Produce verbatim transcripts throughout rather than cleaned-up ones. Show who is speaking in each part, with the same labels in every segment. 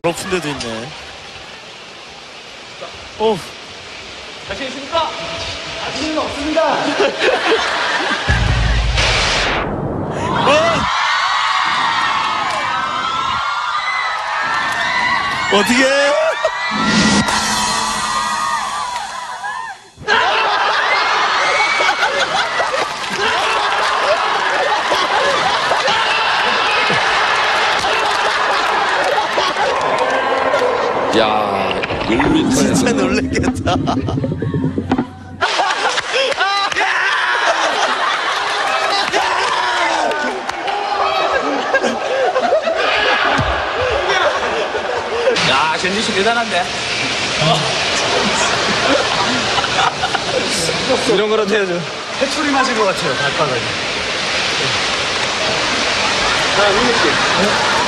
Speaker 1: 높은 데도 있네. 오.
Speaker 2: 자신 있습니까? 자신은 없습니다.
Speaker 1: 어? 어떻게?
Speaker 3: 야, 일 미터에서
Speaker 1: 진짜 놀랬겠다.
Speaker 2: 야, 젠지 씨 대단한데.
Speaker 1: 이런 거라도 해야죠.
Speaker 2: 해초리 맞은 것 같아요, 발바닥에. 자, 민희 씨.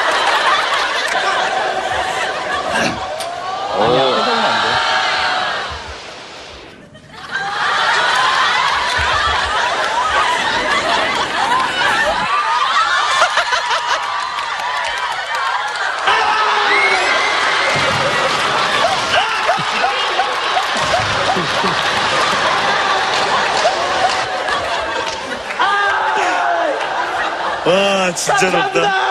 Speaker 2: 아니야, 표정은 안 돼.
Speaker 1: 와, 진짜 높다.